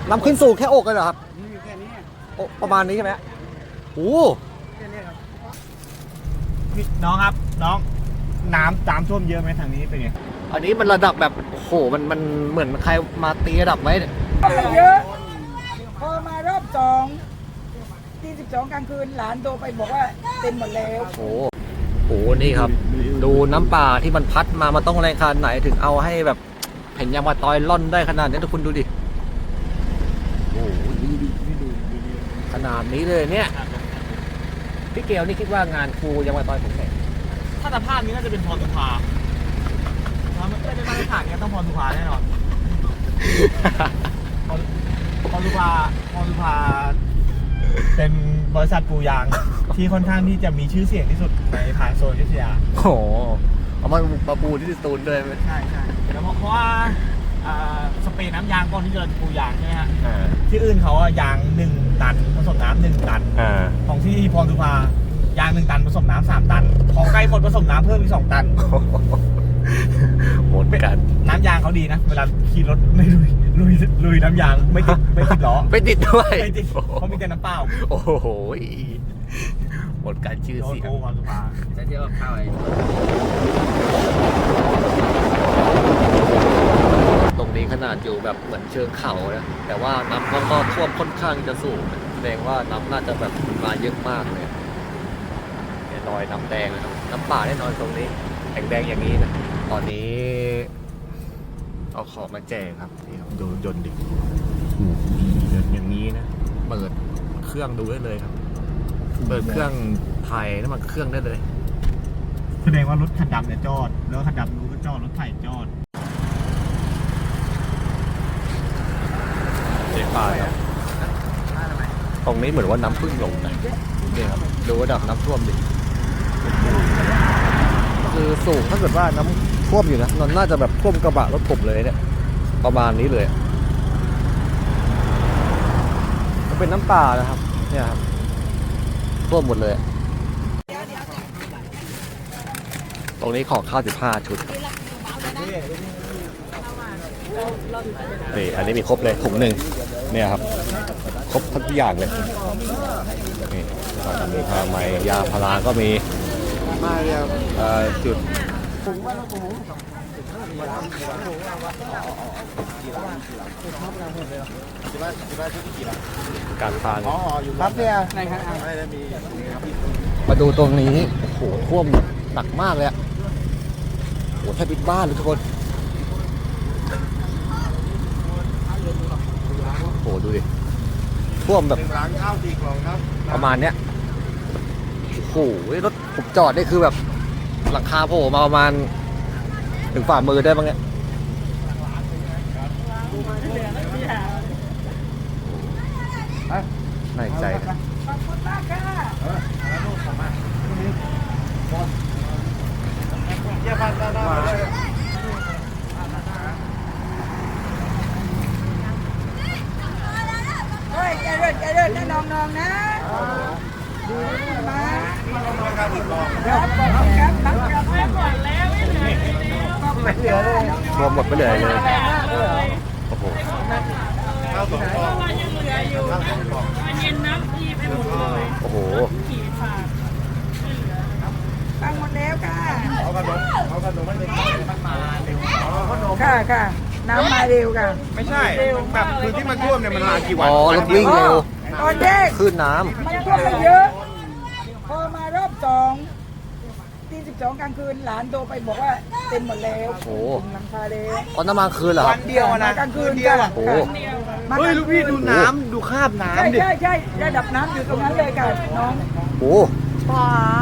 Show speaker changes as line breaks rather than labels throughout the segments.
น้ำขึ้นสูงแค่อกเลยเหรอครับ
นี่แค่นี้
โอ้ประมาณนี้ใช่ไหมโอ้
แค่นี้ครับ
น้องครับน้องน้ำท่วมเยอะไหมทางนี้เป็นไง
อันนี้มันระดับแบบโอ้โหมันเหมือนใครมาตีระดับไว้เนี่ย
เยอะพอมารอบสองที่12กลางคืนหลานโทรไปบอกว่าเต็มหมดแล้ว
โอ้โหนี่ครับ ดูน้ำป่าที่มันพัดมามันต้องแรงขนาดไหนถึงเอาให้แบบเห็นยางมะตอยล่อนได้ขนาดนี้ทุกคนดูดิโอ้โหขนาดนี้เลยเนี่ยพี่เกลนี่คิดว่างานครูยางมะตอยผมแข่ง
ถ้าสภาพนี้น่าจะเป็นพรสุภาถ้าไม่ได้มาตรฐานเนี้ยต้องพรสุภาแน่นอนพรสุภาเป็นบริษัทปูยางที่ค่อนข้างที่จะมีชื่อเสียงที่สุดในทางโซนอยุธยา
โอ้โหเอามาปะปูที่สตูลด้วยไหม
ใช่แล้วเพราะว่าสเปรย์น้ำยางก่อนที่จะปูยางใช่ไหมฮะ
อ่า
ที่อื่นเขาอะยาง1 ตันผสมน้ำ1 ตัน
อ่า
ของที่พรสุภายาง1 ตันผสมน้ำ3 ตัน ของใกล้คนผสมน้ำเพิ่มอีก2 ตัน
หมดกัน
น้ำยางเขาดีนะ เวลาขี่รถไม่ลุยน้ำยางไม่ติดล้อ
ไม่ติดด้วย
ไม่ติดเขามีแต่น้ำเปล่า
โอ้โหหมดการชื่อ
โดน
เสียง
โกพรสุภา
จะเดียวกับข้าวไอ้
ตรงนี้ขนาดอยู่แบบเหมือนเชิงเขานะแต่ว่าน้ำก็ท่วมค่อนข้างจะสูงนะแสดงว่าน้ำน่าจะแบบมาเยอะมากเลยเนี่ยรอยน้ำแดงเลยนะน้ำป่าแน่นอนตรงนี้แดงอย่างนี้นะตอนนี้ เอาของมาแจกครับนี่ครับดูยนต์ดิยนต์อย่างนี้นะเปิดเครื่องดูได้เลยครับ เปิดเครื่องถ่ายน้ำมันเครื่องได้เลย
แสดงว่ารถคันดำเนี่ยจอด แล้วคันดำรู้ก็จอด รถไถจอด
เจ๊ป่าครับตรงนี้เหมือนว่าน้ำพึ่งลงนะเนี่ยครับดูระดับน้ำท่วมดิคือสูงถ้าเกิดว่าน้ำท่วมอยู่นะมันน่าจะแบบท่วมกระบะรถผมเลยเนี่ยประมาณนี้เลยมันเป็นน้ำป่านะครับเนี่ยครับท่วมหมดเลยตรงนี้ของข้าว15 ชุดนี่อันนี้มีครบเลยถุงหนึ่งเนี่ยครับครบทุกอย่างเลยนี่ก็จะมีผ้าไหมยาพาราก็มีจุดการทาน
ครับเนี่ย
มาดูตรงนี้โอ้โหท่วมหนักมากเลยอะโอ้โหแทบปิดบ้านเลยทุกคนโอ้โหดูดิท่วมแบบประมาณเนี้ยโอ้โหรถผมจอดนี่คือแบบหลังคาโผล่มาประมาณถึงฝ่ามือได้บ้างเนี่ยน่าใจนะ
ขอบคุณมากค่ะเฮ้ยใจเย็นนะน้องๆนะมาครับไม่เหลือเลย
รวมหมดไปเลยโอ้โห
เย็นน้ำทีไปหมดเลย
โอ้โห
ขี่ฝาก
ฟังหมดแล้วค่ะ
เอาขนมมันมาเร็วขนม
ค่ะน้ำมาเร็วค่ะ
ไม่ใช่แบบคือที่มันท่วมเนี่ยมันมากี่วัน
อ๋อรถวิ่งเร็ว
ตอนแรก
ขึ้นน้
มันท่วมไปเยอะ พอมารอบสองที่12กลางคืนหลานโทรไปบอกว่าเต็มหมดแล้ว
ำโอ้โห
หลังคาแล้ว
อ๋อน้ำมาคืนเหรอค
วั
รับ
นเดียวนะ
กลางคืน
เดียว
ค่ะ
โอ้โห
เฮ้ยลูกพี่ดูน้ำดูคราบ
ใช่
น้ำดิ
ใช่ระดับน้ำอยู่ตรงนั้นเลยค่ะน้อง
โอ้โห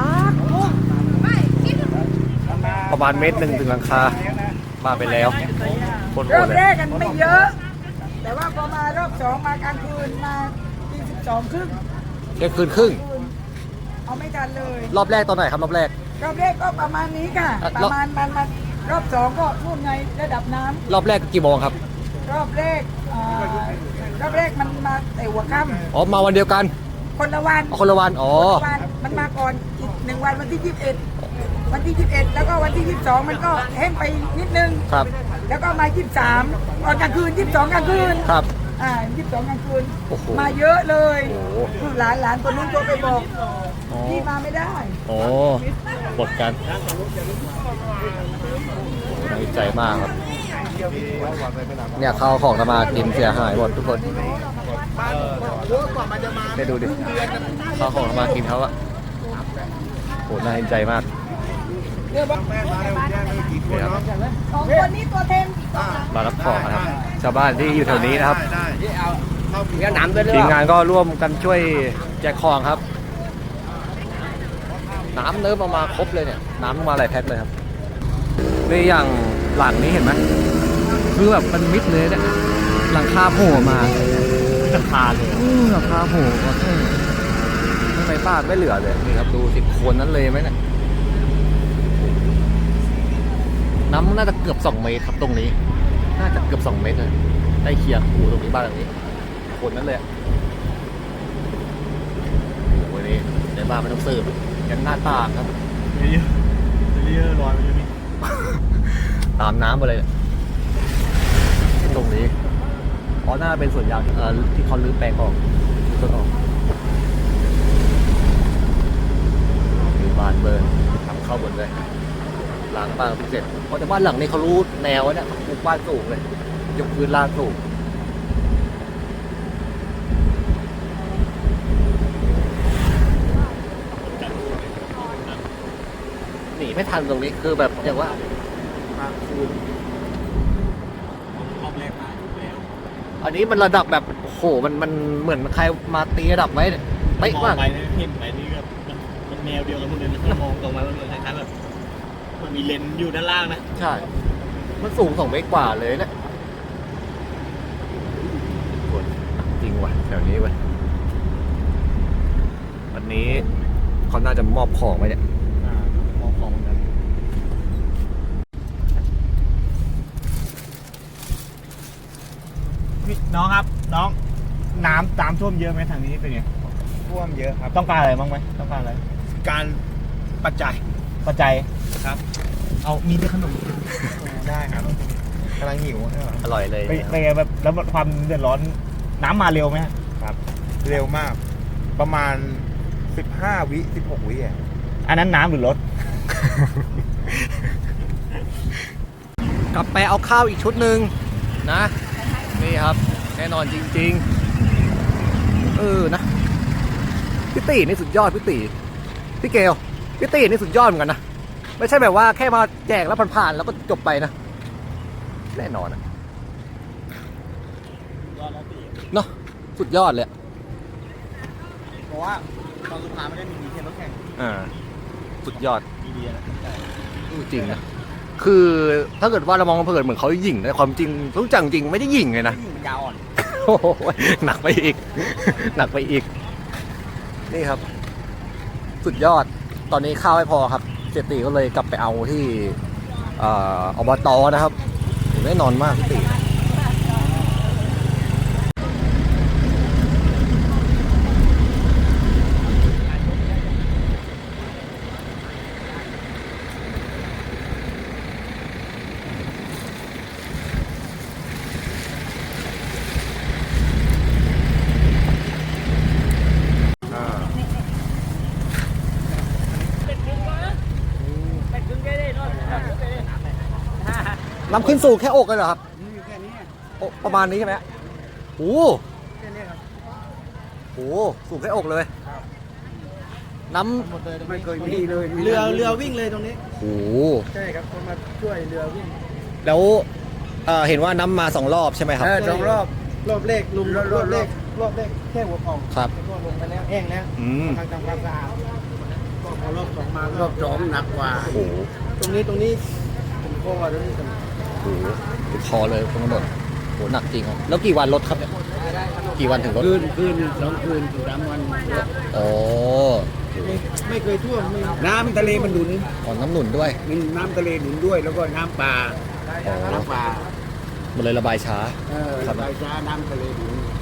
ประมาณ1 เมตรถึงหลังคามาไปแล้วคนโห
รอ
ด
บ
เล
แร
ย
กกันไม่เยอะ แต่ว่าพอมารอบสองมากลางคืนมาที่12ครึ่ง
เที่ยงคืนครึ่ง
เอาไม่ทันเลย
รอบแรกตอนไหนครับรอบแรก
รอบแรกก็ประมาณนี้ค่ะ
อ่ะ
ประมาณมันรอบสองก็ท่วมในระดับน้ำ
รอบแรกกี่โมงครับ
รอบแรกมันมาแต่หัวค่
อ๋อมาวันเดียวกัน
ำคนละวัน
อ๋อคนละวันอ๋อ
คนละวันมันมาก่อนอีก1 วันวันที่21วันที่21แล้วก็วันที่22มันก็แห้งไปนิดนึง
ครับ
แล้วก็มา23ตอนกลางคืน22กลางคืน
ครับ
22กลางคืน
โอ้โห
มาเยอะเลย
โอ้โห
หลานคนนู้นโทรไปบอก
อ๋อ
พี่มาไม่ได้
โอ้บทกันน่าใจมากครับ เนี่ยข้าวของทำมากินเสียหายหมดทุกคนไปดูดิข้าวของทำมากินเขาอะโหน่าเห็นใจมากเนี่ยครับ
สองคนนี้ตัวเต็ม
มารับของนะครับ ชาวบ้านที่อยู่แถวนี้นะครับ
เดี๋ยวน้ำไปเลย
ทีมงานก็ร่วมกันช่วยแจกของครับ น้ำเนิ้มเอามาครบเลยเนี่ย น้ำมาหลายแพ็คเลยครับนี่อย่างหลังนี้เห็นไหมคือแบบมันมิดเลยเนี่ยหลังคาโผล่มาหลังคาเลยหลังคาโผล่มาข้างในบ้านไม่เหลือเลยนี่ครับดูสิโคนนั้นเลยไหมเนี่ยน้ำน่าจะเกือบ2 เมตรครับตรงนี้ น่าจะเกือบ2 เมตรเลยใกล้เคียงหูตรงนี้บ้านหลังนี้โคนนั้นเลยโอ้โหนี่ในบ้านไม่ต้องสืบยังหน้าต่างครับ
เยอะลอยไปอยู่นี่
ตามน้ำไปเลยเนี่ยตรงนี้เพราะน่าเป็นสวนยางที่เขาลื้อแปลงออกต้นออกมีบานเบิร์นทำเข้าบนเลยล้างบ้านเสร็จเพราะแต่บ้านหลังนี้เขารู้แนวเนี่ยปลูกบ้านสูงเลยยกพื้นลาดสูงหนีไม่ทันตรงนี้คือแบบอย่างว่า
รอบแรกมาแล้ว
อันนี้มันระดับแบบโอ้โหมันเหมือนใครมาตีระดับไว้เนี่ยเป๊ะ
มอง
มาก
ไปเนี่ยเห็นไปนี่ก็มันแนวเดียวกันหมดเลยนะถ้ามองตรงมามันเหมือนคล้ายๆแบบมันมีเลนอยู่ด้านล่างนะ
ใช่ มันสูง2 เมตรกว่าเลยเนะจริงว่ะแถวนี้เว้ยวันนี้เขาน่าจะมอบของไว้เนี่ย
มองของนั้นพี่น้องครับน้องน้ำท่วมเยอะไหมทางนี้เป็นไง
ท่วมเยอะครับ
ต้องการอะไรบ้างไหมต้องการอะไร
การปัจจัย
ปัจจัย
ครับ
เอามีแต่ขนม
ได้ครับกำลังหิวใช่ไหม
อร่อยเลย
ไปแบบแล้วความเดือดร้อนน้ำมาเร็วไหมฮะ
เร็วมาก ประมาณ15 วิ16 วิอ่ะ
อันนั้นน้ำหรือรถ
กลับไปเอาข้าวอีกชุดหนึ่งนะ นี่ครับ แน่นอนจริงๆนะพี่ตีนี่สุดยอดพี่ตีพี่เกลพี่ตีนี่สุดยอดเหมือนกันนะไม่ใช่แบบว่าแค่มาแจกแล้วผ่านๆแล้วก็จบไปนะแน่นอนนะเนาะสุดยอดเลย
เพราะว่าตอนสุดท้ายไม่ได้มีแค่รถแข่ง
สุดยอด
มีดีนะ
จริงนะคือถ้าเกิดว่าเรามองเผินเหมือนเขาหยิ่งแต่ความจริงรู้จักจริงไม่ได้หยิ่งเลยนะ
มันยาวอ่อน
โอ้โหหนักไปอีก หนักไปอีก นี่ครับ สุดยอดตอนนี้ข้าวไม่พอครับเจตีก็เลยกลับไปเอาที่อบตนะครับแน่นอนมากพี่ตีน้ำขึ้นสู่แค่อกเลยเหรอครับ
นี่อยู่แค่นี้
อกประมาณนี้ใช่ไหมโอ้โห
แค่นี้ครับ
โอ้โหสูงแค่อกเลย น้
ไม่เคยมีเลยเรือวิ่งเลยตรงนี้
ำโอ้โห
ใช่ครับคนมาช่วยเรือวิ่ง
แล้วเห็นว่าน้ำมา2 รอบใช่ไหมครับ
สองรอบแรกลุมรอบแรกแค่หัวเข่า
ครับ
แล้วก็ลงไปแล้วแห้งแล้ว
อืม
กำลังทำความสะอาดก็พอรอบ2มารอบ2หนักกว่า
โอ้โห
ตรงนี้ผมก็ว่าตรงนี้เป็น
โอ้โหติดคอเลยตรงถนนโหหนักจริงครับแล้วกี่วันรถครับเนี่ยกี่วันถึงรถ
คืน2 คืนถึง3 วัน
อ๋อ
ไม่เคยท่วมน้ำทะเลมันหนุน
อ๋อน้ำหนุนด้วย
มีน้ำทะเลหนุนด้วยแล้วก็น้ำป่า
อ๋อ
น้ำป่า
มันเลยระบายช้า
ระบายช้าน้ำทะเลหนุน